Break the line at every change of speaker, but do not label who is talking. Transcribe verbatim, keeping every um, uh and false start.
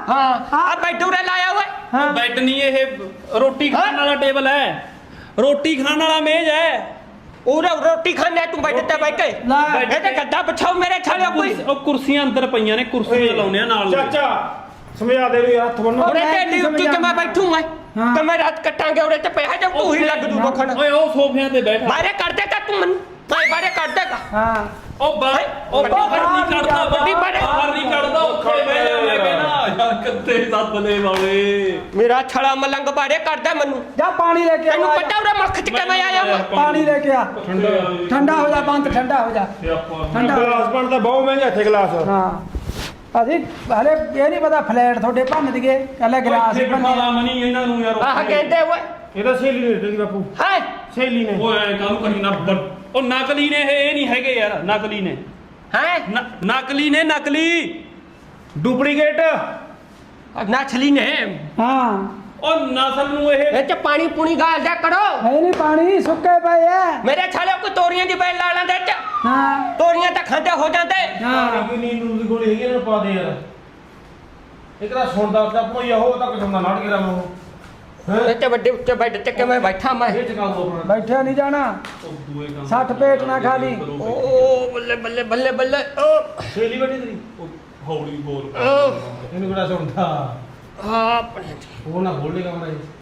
हाँ आ बैठू रे लाया हुआ
हाँ
ਬੈੱਡ ਨਹੀਂ ਇਹ ਰੋਟੀ ਖਾਣ ਵਾਲਾ ਟੇਬਲ ਹੈ ਰੋਟੀ ਖਾਣ ਵਾਲਾ ਮੇਜ਼ ਹੈ
उरे रोटी खाने तू बैठते बैठ के
ला
ये तो गद्दा बिछाओ मेरे छाले कोई
ਉਹ ਕੁਰਸੀਆਂ ਅੰਦਰ ਪਈਆਂ ਨੇ ਕੁਰਸੀਆਂ ਲਾਉਣੇ ਆ ਨਾਲ
ਚਾਚਾ ਸਮਝਾ ਦੇ ਵੀ ਹੱਥ ਬੰਨੋ
उरे
मैं
ते
नहीं
ड्यूटी
समझा।
के मैं बैठू मैं
हाँ।
तो मैं रात कटांगे उरे ते पे है जब तू ही लग दू बखन
ਓਏ ਉਹ ਸੋਫਿਆਂ ਤੇ ਬੈਠਾ
बारे कर देगा तू मन भाई बारे कर देगा
हाँ
ਉਹ ਬਾਹਰ ਉਹ ਬਾਹਰ ਨਹੀਂ ਕੱਢਦਾ ਵੱਡੀ ਬਾਹਰ ਨਹੀਂ ਕੱਢਦਾ ਉੱਥੇ ਬਹਿ ਜਾ ਮੈਂ ਕਹਿੰਦਾ ਯਾਰ ਕਿੱਥੇ ਸੱਦਲੇ ਵਾਲੇ
मेरा छड़ा मलंग बारे कर दे मनु
जा पानी लेके
तेनू
आ
पता उरे मख के मैं आया हूं
पानी लेके आ ठंडा हो जा बंद ठंडा हो जा ठंडा हो जा।
ਗਲਾਸ ਬਣਦਾ ਬਹੁਤ ਮਹਿੰਗਾ ਇੱਥੇ ਗਲਾਸ
ਹਾਂ ਅਸੀਂ ਹਲੇ ਇਹ ਨਹੀਂ ਪਤਾ ਫਲੈਟ ਤੁਹਾਡੇ ਭੰਨ ਦਈਏ ਕੱਲੇ ਗਲਾਸ ਹੀ ਭੰਨੇ
ਬਿਠਾ ਮਨੀ ਇਹਨਾਂ ਨੂੰ ਯਾਰ
आह कहते हुए
ਇਹਦਾ ਸਹੇਲੀ ਨੇ ਦਿੱਤੀ ਬਾਪੂ
है
ਸਹੇਲੀ ਨੇ
ਓਏ ਐ ਕਾਹਨੂੰ ਕਰੀ ਨਾ ਬ- ਉਹ ਨਕਲੀ ਨੇ ਇਹ ਇਹ ਨਹੀਂ ਹੈਗੇ ਯਾਰ ਨਕਲੀ ਨੇ
हैं
ਨ- ਨਕਲੀ ਨੇ ਨਕਲੀ
ਡੁਪਲੀਕੇਟ
नाचली ने
ਹਾਂ
ਉਹ ਨਸਲ ਨੂੰ ਇਹ
ये च पानी पुनी गाल दे करो
ਹੈ ਨਹੀਂ ਪਾਣੀ ਸੁੱਕੇ ਪਏ ਆ
मेरे छाले को तोरियां दी बैल लाला दे च
ਹਾਂ
तोरियां तो खाते हो जाते
ਹਾਂ
ਕੋਈ ਨੀਂਦ ਨੂੰ ਦੀ ਗੋਲੀ ਹੈਗੀ ਇਹਨਾਂ ਨੂੰ ਪਾ ਦੇ ਯਾਰ ਇੱਕ ਤਾਂ ਸੁਣਦਾ ਤਾਂ ਭੋਈਆ ਹੋ ਤੱਕ ਸੁਣਦਾ ਨਾਟ ਕੇ ਰਮੋ
ये च बड़े ऊंचे बेड ते के मैं बैठा मैं
ਇਹ ਚਕਾ ਦੋ ਆਪਣਾ
ਬੈਠਿਆ ਨਹੀਂ ਜਾਣਾ
ਉਹ ਦੂਏ ਕੰਮ
ਸੱਠ ਪੇਟ ਨਾ ਖਾ ਲਈ
ओ बल्ले बल्ले बल्ले बल्ले ओ
ਸਹੇਲੀ ਬੈਠੀ ਤੇਰੀ
ਉਹ ਹੌਲੀ ਬੋਲ
ओ
ਇਹਨੂੰ ਕਿਹੜਾ ਸੁਣਦਾ
हाँ अपने
ਉਹ ਨਾ ਬੋਲੇਗਾ ਮਰਾ